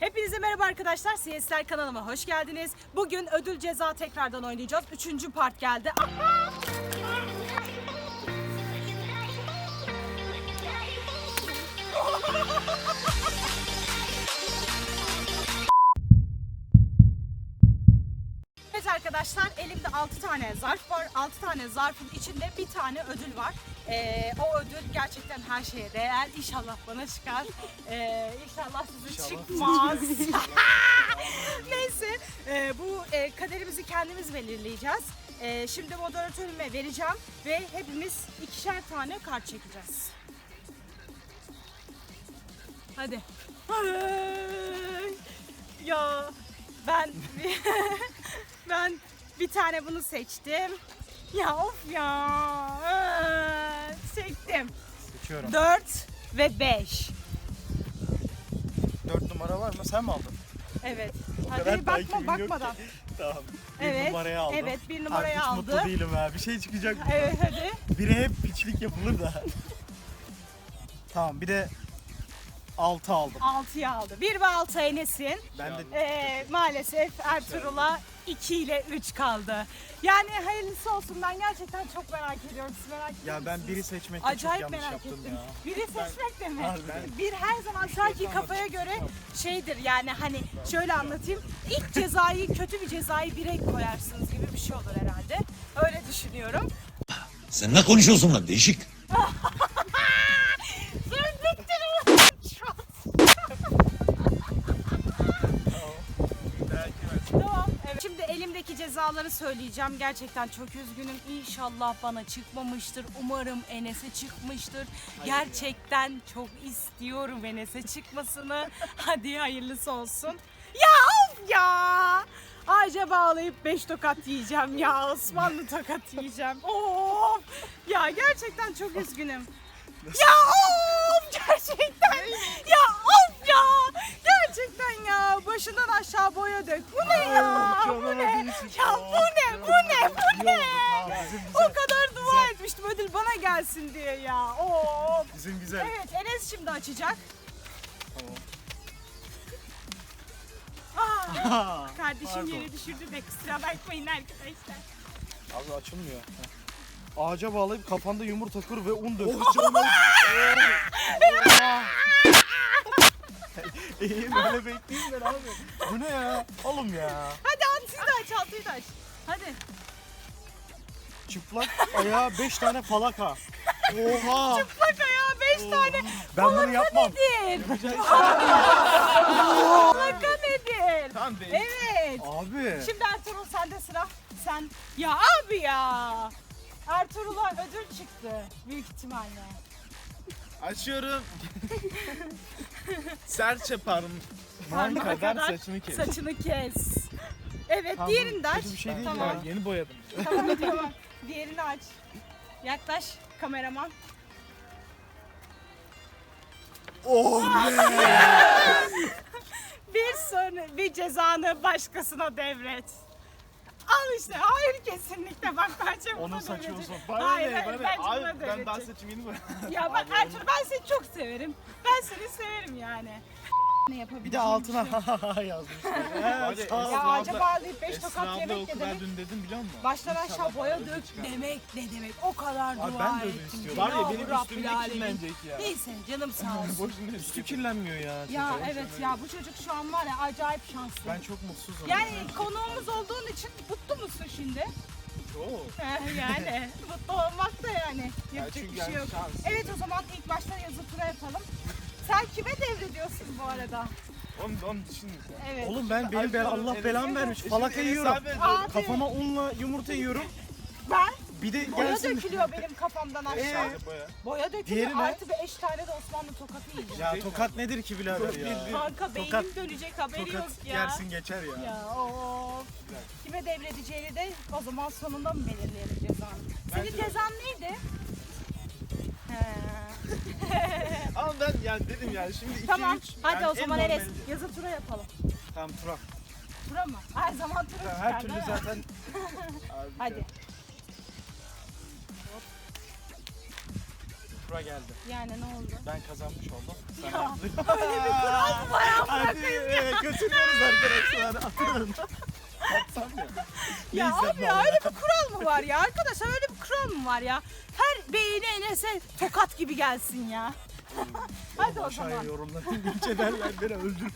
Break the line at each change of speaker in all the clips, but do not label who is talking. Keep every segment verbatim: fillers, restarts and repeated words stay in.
Hepinize merhaba arkadaşlar. C S'ler kanalıma hoş geldiniz. Bugün ödül ceza tekrardan oynayacağız. Üçüncü part geldi. Aha! Evet arkadaşlar, elimde altı tane zarf var. altı tane zarfın içinde bir tane ödül var. Ee, o ödül gerçekten her şeye değer. İnşallah bana çıkar. Ee, inşallah size
İnşallah.
çıkmaz. Neyse, e, bu e, kaderimizi kendimiz belirleyeceğiz. E, şimdi moderatörüme vereceğim ve hepimiz ikişer tane kart çekeceğiz. Hadi. Ay, ya ben ben bir tane bunu seçtim. Ya of ya. Ee, Çektim.
Seçiyorum.
dört ve beş.
dört numara var mı? Sen mi aldın?
Evet.
O
Hadi
kadar
bakma
takibim yok
bakmadan.
ki. Tamam. Bir
Evet,
numarayı aldım.
evet, bir numarayı
Abi, hiç
aldı.
mutlu değilim ha. Bir şey çıkacak.
Evet hadi.
Biri hep piçlik yapılır da. Tamam bir de altı aldım.
altıya aldı. bir ve altı Enes'in.
Ben de
Ee, maalesef Ertuğrul'a iki ile üç kaldı. Yani hayırlısı olsun, ben gerçekten çok merak ediyorum. Siz merak ediyor
ya ben
musunuz?
biri seçmekte
Acayip
çok yanlış
merak
yaptım
ettim.
ya.
Biri seçmek de mi?
Harbiden.
Bir her zaman sanki kafaya göre şeydir yani, hani şöyle anlatayım. İlk cezayı, kötü bir cezayı bire koyarsınız gibi bir şey olur herhalde. Öyle düşünüyorum.
Sen ne konuşuyorsun lan değişik?
Tamam. Evet. Şimdi elimdeki cezaları söyleyeceğim. Gerçekten çok üzgünüm. İnşallah bana çıkmamıştır. Umarım Enes'e çıkmıştır. Gerçekten çok istiyorum Enes'e çıkmasını. Hadi hayırlısı olsun. Ya of ya! Ağaca bağlayıp beş tokat yiyeceğim ya. Osmanlı tokat yiyeceğim. Of! Ya gerçekten çok üzgünüm. Ya of! Gerçekten! Ya of ya! Gerçekten ya! Başından aşağı boya dök. Bu ne ya? Bu ne? Ya bu ne? Bu ne? Bu ne? O kadar dua etmiştim ödül bana gelsin diye ya. Of!
Bizim güzel.
Evet, Enes şimdi açacak.
Tamam.
Aa, kardeşim
Pardon.
yere düşürdü de kusura bakmayın arkadaşlar.
Abi açılmıyor. Heh. Ağaca bağlayıp kafanda yumurta kır ve un dök. İyi böyle bekleyeyim ben abi. Bu ne ya? Oğlum ya.
Hadi altıyı da aç, altıyı da aç. Hadi.
Çıplak ayağa beş tane falaka. Oha.
Bak ayağa beş tane.
Ben bunu yapmam.
Nedir? Plaka nedir?
Tamam be.
Evet.
Abi.
Şimdi Ertuğrul sende sıra. Sen ya abi ya. Ertuğrul'a ödül çıktı büyük ihtimalle.
Açıyorum. Serçe parmağın
Parmağa
kadar,
kadar
saçını kes.
Saçını kes. Evet,
Tamam,
diğerini de aç.
kötü bir şey değil
tamam.
Ya yeni boyadım.
Tamam tamam. Diğerini aç. Yaklaş kameraman.
Oh
Bir sonra bir cezanı başkasına devret. Al işte. Hayır, kesinlikle bak bence buna
Onun saçı
devredecek.
olsun.
Bana
Hayır,
ne?
hayır,
Bana ne?
bence buna
Abi ben daha
devredecek.
saçımı yeni boyadım.
Ya ben Ertuğrul, ben seni çok severim. Ben seni severim yani. Ne yapabilirim?
Bir de altına yazmışlar.
Hadi,
He, sağ ol.
Ya
Esra
ağaca
abla-
bağlayıp beş
Esra
tokat
abla
yemek
oku
ne
ben
demek?
dün dedim biliyor musun?
Baştan aşağı
İnşallah
boya
ödül
dök
çıkar.
demek ne demek? O kadar dua
Abi ben de öyle
ettim.
istiyorum.
Var ya
Ya
benim
Rabbil
üstüm ne
Alemin.
kirlenecek ya.
Neyse canım sağ olsun.
Boşuna
Üstü kirlenmiyor ya.
Ya
çocuğun.
evet ya, bu çocuk şu an var ya acayip şanslı.
Ben çok mutsuzum.
Yani konuğumuz olduğun için mutlu musun şimdi?
Oo.
Eh, yani mutlu olmak da yani yapacak
çünkü
bir şey
yani
yok.
şans.
Evet, o zaman ilk başta yazı tura yapalım. Sen kime devrediyorsun bu arada?
Onu, onu düşün sen.
Evet.
Oğlum ben benim ben Allah
Enes-
belamı vermiş. Falaka
Enes
yiyorum.
abi-
Abi,
Kafama unla yumurta yiyorum.
ben
Bir de
boya
gelsin.
dökülüyor benim kafamdan aşağı.
Sadece boya.
Boya dökülüyor,
Diğeri ne?
artı beş tane de Osmanlı tokatı yiyeceğim.
Ya tokat nedir ki birader ya?
Kanka beynim
Tokat-
dönecek, haberi
Tokat
yok ya.
yersin geçer ya.
Ya of. Kime devredeceğini de o zaman sonunda mı belirleyelim cezanı? Senin
Bence de.
cezan neydi? He.
Ama ben yani dedim yani şimdi iki
Tamam.
üç.
Hadi
yani
o zaman
en
Enes
normali.
yazı tura yapalım.
Tamam Turak.
Tura mı? Her zaman tura
Tamam,
çıkar
her türlü
değil mi?
zaten
Abi,
Hadi.
kura geldi.
Yani ne oldu?
Ben kazanmış oldum. Sen
Ya,
yaptın.
öyle bir kural mı var amına
Hadi götürüyoruz arkadaşlar. Atın. Atsam ya.
Ya
Neyse,
abi ya öyle bir kural mı var ya? Arkadaşlar öyle bir kural mı var ya? Her beğeni Enes'e tokat gibi gelsin ya. Hadi o
Aşağıya
zaman.
yorumları linç ederler beni öldürür.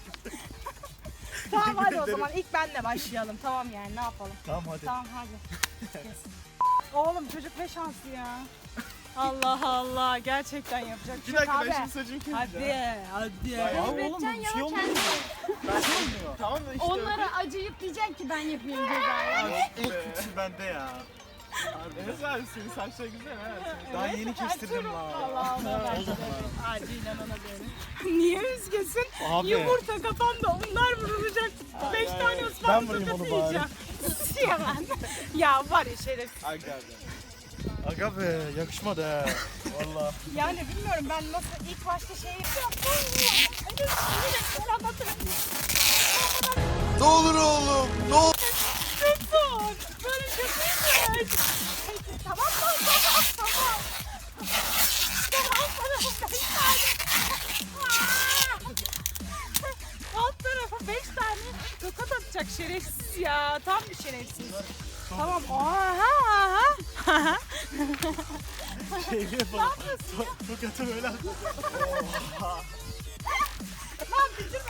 Tamam hadi o
ederim.
zaman ilk benle başlayalım. Tamam yani ne yapalım?
Tamam hadi.
Tamam hadi. Kes. Oğlum çocuk ne şanslı ya. Allah Allah gerçekten yapacak bir
Bir
şey yok
dakika
abi.
ben şimdi saçımı keseceğim.
Hadi hadi.
Ya oğlum bir şey olmuyor. Ben şey olmuyor.
Tamam da işte.
Onlara acıyıp diyeceksin ki ben yapayım cezayı.
İlk kötüsü bende ya.
Enes abi senin saçlar güzel ha. Senin-
Daha yeni kestirdim la.
Allah Allah. Acilen ona verin. Niye üzgünsün?
Abi.
Yumurta kafamda onlar vurulacak. Beş tane
Ben
ıspanak
vurayım
sokası
onu bari.
yiyeceğim. Ya ben. Ya var ya şerefsiz.
Ay geldi.
Aga be yakışmadı ha. Valla.
Yani bilmiyorum ben nasıl ilk başta şey yapıyorum. Hani böyle anlatırım.
Ne olur oğlum, ne olur.
Tutun. Böyle kötüymüş. Tamam tamam tamam tamam. Tamam tamam. Beş tane. Alt tarafa beş tane tokat atacak şerefsiz ya. Tam bir şerefsiz. Tamam. Aha aha.
Şeyli yapalım. Tokatı böyle at.
Lan bitirme.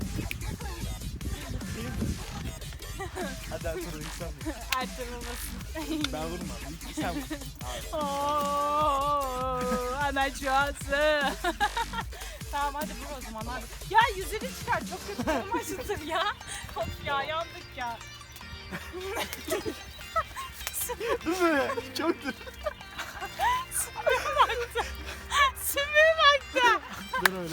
Hadi Ertuğrul ilk sen vur.
Ertuğrul
Ben vurmam. İlk sen vur.
Ooo ana çuası. Tamam hadi vur o zaman hadi. Ya yüzünü çıkar çok kötü canım acıtır ya. Of ya yandık ya.
Dur be. Çoktur.
Sümüğe baktı. Sümüğe baktı.
Dur öyle.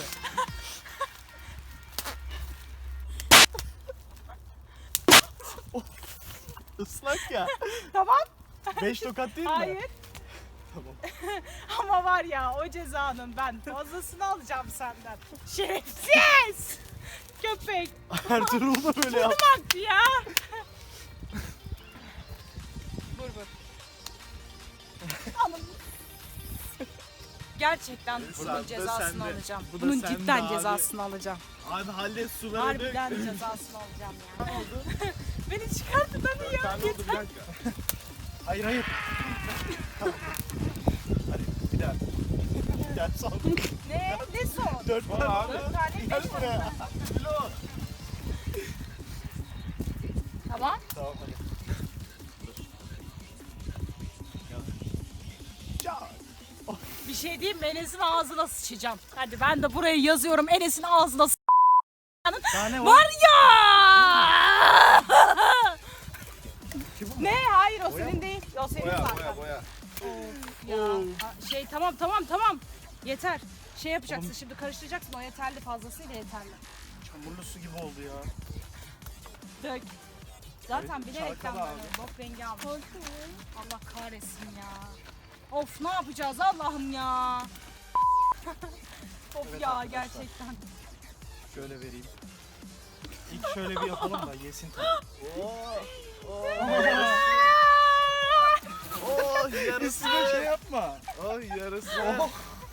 Islak ya.
Tamam.
Beş tokat değil mi?
Hayır.
Tamam.
Ama var ya o cezanın ben fazlasını alacağım senden. Şerefsiz. Köpek.
Ertuğrul da böyle yap.
Baktı ya. Vur vur. Alın. Gerçekten bunun
Bu
cezasını
sende.
alacağım.
Bu da
Bunun
sende
cidden
abi.
cezasını alacağım.
Abi hallet suları dök.
Harbiden cezasını alacağım ya. Beni çıkartın hadi ya.
Sen oldu bir
Yeter.
dakika.
Hayır hayır. Tamam. Hadi bir daha. Bir daha son.
Ne? Ne son?
Dört
Var
tane.
abi.
Dört tane
Gel
beş
buraya.
tane. Tamam.
Tamam hadi. Ya.
Bir şey diyeyim mi? Enes'in ağzına sıçacağım. Hadi ben de buraya yazıyorum. Enes'in ağzına sı-
Daha ne var?
Var ya! Ne? Hayır o
Boya
senin değil. O senin
Boya
zaten.
boya boya.
Of ya. Aa, Şey tamam tamam tamam. Yeter. Şey yapacaksın şimdi karıştıracaksın o yeterli fazlasıyla yeterli.
Çamurlu su gibi oldu ya.
Dök. Zaten bilerekten
çalkala
böyle
abi.
bok rengi almış. Allah kahretsin ya. Of ne yapacağız Allah'ım ya. Of
Evet
ya
arkadaşlar.
gerçekten.
Şöyle vereyim. İlk şöyle bir yapalım da yesin tabii.
Oo.
Aa!
Oh yarısı.
Üstüne şey yapma.
Oh yarısı.
Oh.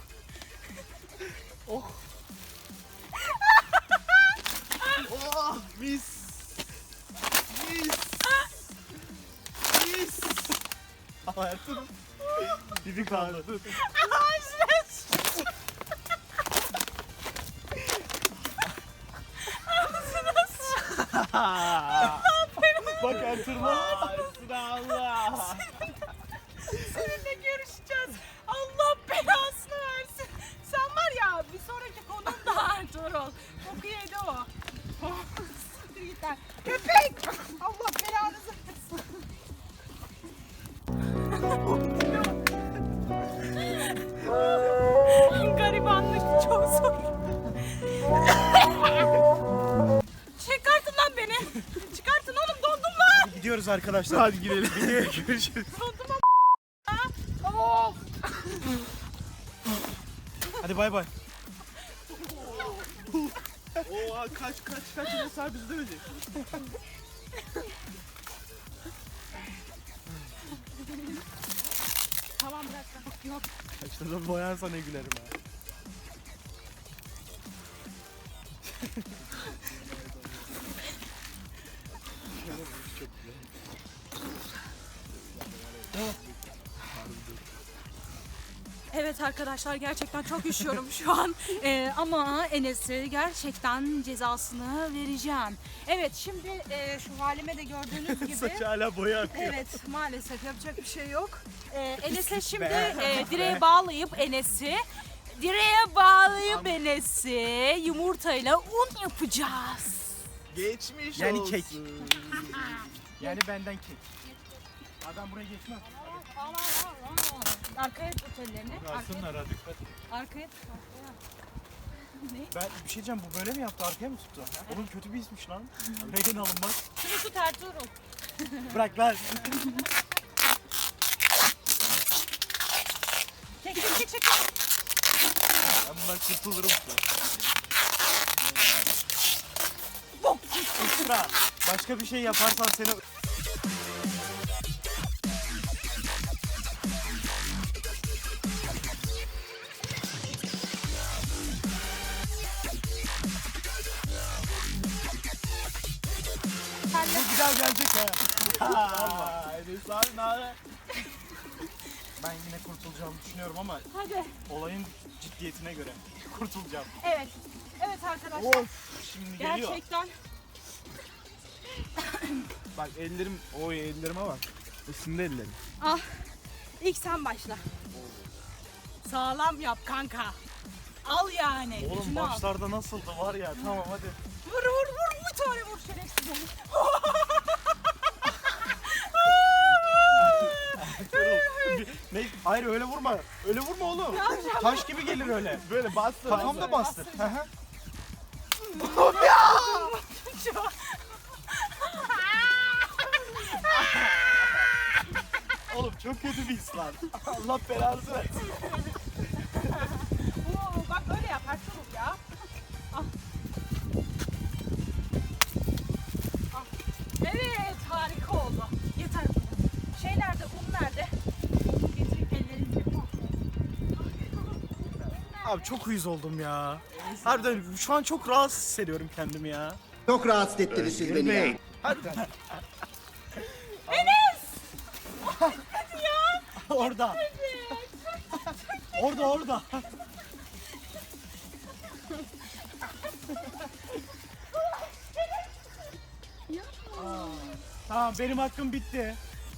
Oh.
Oh mis. Mis. Mis.
Ama Ertuğrul. Dibi kaldı.
Ağzına
Bak Ertuğrul'a.
Allah.
seninle görüşeceğiz. Allah belasını versin. Sen var ya bir sonraki konum da Ertuğrul. Koku yedi o. Siktir git lan. Köpek! Allah belanızı versin. Garibanlık çok zor. Çıkartın lan beni. Çıkartın oğlum dondum lan.
Gidiyoruz arkadaşlar.
Hadi gidelim.
Videoya görüşürüz.
Dondum ama. Of.
Hadi bay bay.
Oha kaç kaç kaç Enes abi bizi dövecek.
Tamam Tamam bırak bırak. Yok.
Saçlarım boyansa ne gülerim ha.
Evet arkadaşlar gerçekten çok üşüyorum şu an. Ee, ama Enes'e gerçekten cezasını vereceğim. Evet şimdi e, şu halime de gördüğünüz gibi.
Saç hala boya akıyor.
Evet maalesef yapacak bir şey yok. Ee, Enes'e şimdi
be.
e, direğe bağlayıp Enes'i direğe bağlayıp Enes'i yumurtayla un yapacağız.
Geçmiş
Yani
olsun.
kek. Yani benden kek. Adam buraya geçmez.
Arkaya tut ellerini. Arkaya,
Alsınlar hadi dikkat.
arkaya tut. Arkaya. Ne?
Ben bir şey diyeceğim, bu böyle mi yaptı, arkaya mı tuttu? Oğlum kötü bir ismiş lan. Regen alınmaz.
Şunu tut Ertuğrul.
Bırak ver.
Çek çek çek çek.
Ben bundan kurtulurum. Esra, başka bir şey yaparsan seni... Bu bir daha gelecek ha.
Aa, Enes abi ne haber?
Ben yine kurtulacağımı düşünüyorum ama
Hadi.
olayın ciddiyetine göre kurtulacağım.
Evet. Evet arkadaşlar.
Of, şimdi geliyor.
Gerçekten.
Bak ellerim, oy ellerime bak. Isındı ellerim.
Ah. İlk sen başla. Sağlam yap kanka. Al yani.
Oğlum
gücünü al.
başlarda nasıldı var ya, tamam hadi.
Vur vur vur bir tane vur şerefsiz.
Ne? Hayır öyle vurma. Öyle vurma oğlum. Taş gibi gelir öyle.
Böyle bastır.
Kafamda bastır. Hı hı. Oğlum çok kötü bir his lan. Allah belanı versin.
Oo, bak böyle yap Ertuğrul ya. Ah. Ah. Evet harika oldu. Yeter bu. Şey nerede? Un nerede? Un getirip ellerini
Abi çok uyuz oldum ya. Harbiden şu an çok rahatsız hissediyorum kendimi ya.
Çok rahatsız ettiniz siz beni ya.
Orada. Orada orada. Aa, tamam benim hakkım bitti.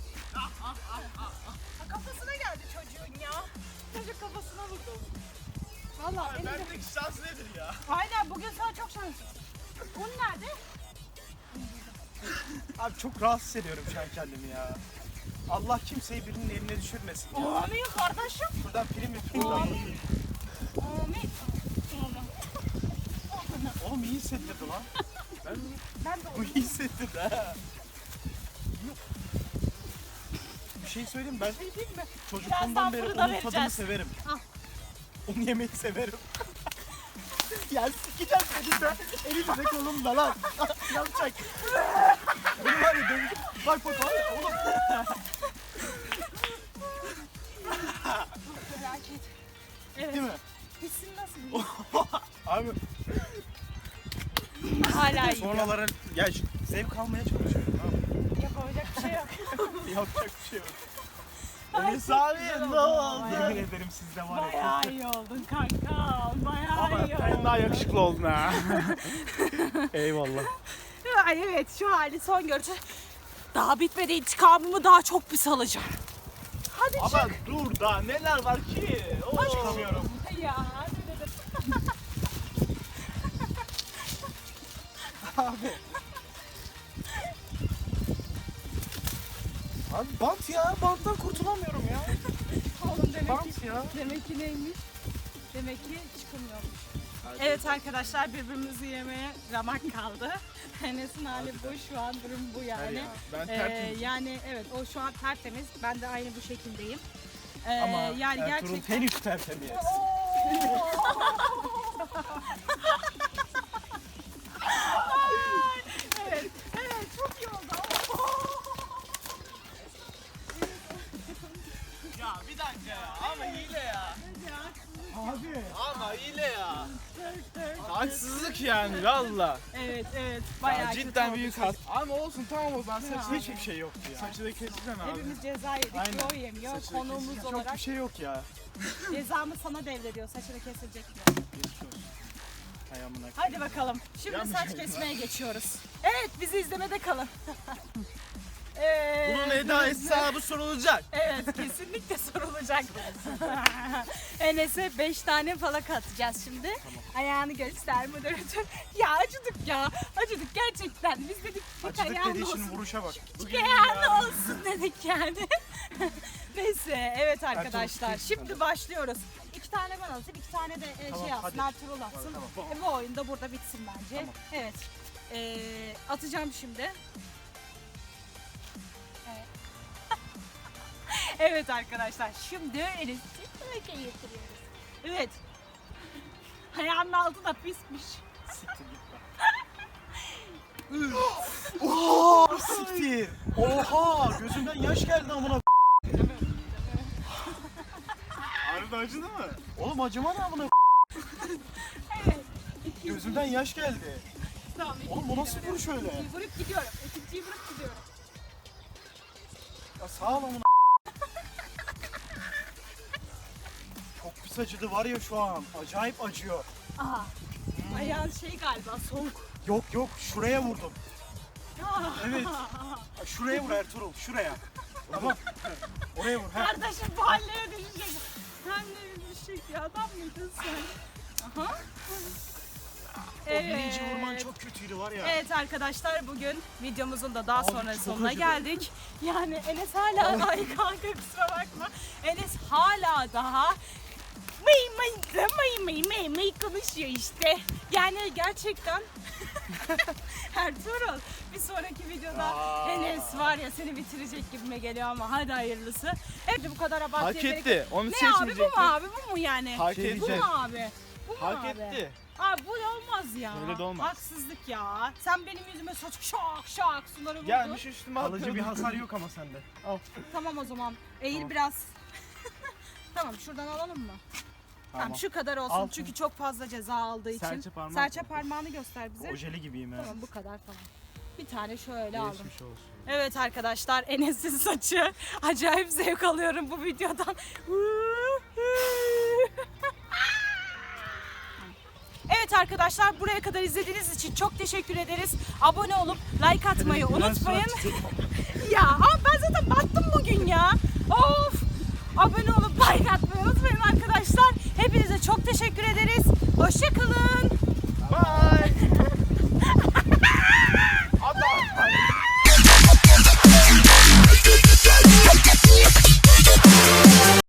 Kafasına geldi çocuğun ya. Çocuk kafasına vurdu. Vallahi benim de...
Bendeki şans nedir ya?
Aynen bugün sana çok şanslı. Un nerede?
Abi çok rahatsız hissediyorum şu an kendimi ya. Allah kimseyi birinin eline düşürmesin ya.
Amin kardeşim.
Buradan prim yapayım.
Amin. Amin.
Oğlum iyi hissettirdi lan. Ben,
Ben de
bu iyi hissettirdi ha. Bir şey söyleyeyim ben
şey diyeyim mi?
çocukluğumdan
Birazdan
beri
fırına
onun tadını
vereceğiz.
severim.
Al.
Onu yemeyi severim. Ya sikeceğim seni de. Elimde kolumda lan. Yapacak. Bunu var ya dövüş. Bak bak bak oğlum.
Felaket. Evet.
Değil mi?
Hissin nasıl?
Abi
Hala iyi.
sonralara ya şu- zevk almaya çalışıyorum abi.
Yapamayacak bir şey yok.
Yapacak bir şey yok.
Enes abi ne oldu?
Yemin ederim sizde var ya.
Bayağı iyi oldun kanka. Bayağı
Ama
iyi
sen
oldun.
daha yakışıklı oldun ha.
Eyvallah.
Ay evet şu hali son görüşü. Daha bitmedi intikamımı daha çok pis alacağım. Hadi
Ama dur daha neler var ki? Oo.
Çıkamıyorum.
çık. Ya hadi dedim.
Abi bant ya. Banttan kurtulamıyorum ya.
Oğlum demek ki,
Bant ya.
demek ki neymiş? Demek ki çıkamıyormuş. Evet arkadaşlar birbirimizi yemeye ramak kaldı. Enes'in hali bu şu an durum bu yani.
ya,
ben
Ee,
tertemiz.
yani evet o şu an tertemiz. Ben de aynı bu şekildeyim. Ee,
Ama
yani
Ertuğrul
gerçekten.
henüz tertemiz.
Evet, evet çok iyi oldu.
Ya bir dakika ya. yani valla.
Evet evet
Ya
bayağı kötü
cidden
oldu
büyük
çocuk.
has. Ama olsun tamam o zaman saçında
Ya.
hiçbir şey yoktu ya. Saçı da keseceksin abi.
Hepimiz ceza yedik.
Aynen.
Yo yemiyor.
Saçı da
Konuğumuz
keseceksin.
Çok
olarak
bir şey yok ya.
cezamı sana devrediyor. Saçını kesilecek mi?
Geçmiş olsun. Hay amına.
Hadi bakalım. Şimdi
Yanlış
saç
oldu.
kesmeye geçiyoruz. Evet bizi izlemede kalın. Evet.
Bunun Eda hesabı sorulacak.
Evet kesinlikle sorulacak. Enes'e beş tane falak atacağız şimdi. Ayağını göster moderatör. Ya acıdık ya. Acıdık gerçekten. Biz dedik bir
Acıdık
ayağın
dediği için
olsun.
vuruşa bak.
Bir ayağın olsun dedik yani. Neyse evet arkadaşlar.
Ertuğrul,
Şimdi başlıyoruz. İki tane ben atayım, iki tane de e,
Tamam,
şey atsın,
hadi.
Ertuğrul atsın.
Tamam.
E, bu oyun da burada bitsin bence.
Tamam.
Evet. Ee, atacağım şimdi. Evet. Evet arkadaşlar. Şimdi Enes'i böyle getiriyoruz. Evet. Ayağının altı da pismiş.
Siktir git lan. Oha siktir. Oha gözümden yaş geldi amına.
Harbiden acıdı mı?
Oğlum acıma ne amına.
Evet.
Gözümden yaş geldi.
Tamam.
Oğlum bu nasıl vuruş öyle?
İkinciyi vurup gidiyorum. İkinciyi vurup gidiyorum.
Ya sağ ol amına. Çok pis acıdı var ya şu an. Acayip acıyor.
Aha. Ayağın şey galiba soğuk.
Yok yok şuraya vurdum.
Ah.
Evet. Şuraya vur Ertuğrul şuraya. Tamam. Oraya vur. Ha.
Kardeşim bu hallere düşecek. Sen ne düşecek ya adam mıydın sen? Aha.
O birinci vurman çok kötüydü var ya.
Evet arkadaşlar bugün videomuzun da daha
Abi
sonra
çok
sonuna
acıdı.
geldik. Yani Enes hala ay kanka kusura bakma. Enes hala daha mıy mıy mıy mıy mıy mıy konuşuyor işte. Yani gerçekten Ertuğrul bir sonraki videoda
Aa.
Enes var ya seni bitirecek gibime geliyor ama hadi hayırlısı. Evet bu kadar abartıya
Hak
gerek
etti. Onu
Ne abi bu
seçmeyecektin.
mu abi bu mu yani?
Hak
Şey
etti.
Bu mu abi? Bu mu
Hak
abi?
etti.
Abi bu olmaz ya.
Öyle de olmaz.
Haksızlık ya. Sen benim yüzüme saç şak şak suları vurdun.
Gelmiş üstüme
Kalıcı
atladı.
bir hasar yok ama sende. Al.
Tamam o zaman. Eğil
Tamam.
biraz. Tamam şuradan alalım mı? Tamam,
Tamam.
şu kadar olsun
Al.
çünkü çok fazla ceza aldığı için.
Serçe parmak
Serçe
mı?
parmağını göster bize.
Ojeli gibiyim ha.
Tamam bu kadar tamam. Bir tane şöyle aldım.
Geçmiş olsun.
Evet arkadaşlar Enes'in saçı. Acayip zevk alıyorum bu videodan. Evet arkadaşlar buraya kadar izlediğiniz için çok teşekkür ederiz. Abone olup like atmayı unutmayın. Ya ama ben zaten battım bugün ya. Of. Abone olup like atmayı unutmayın arkadaşlar. Hepinize çok teşekkür ederiz. Hoşça kalın.
Bye.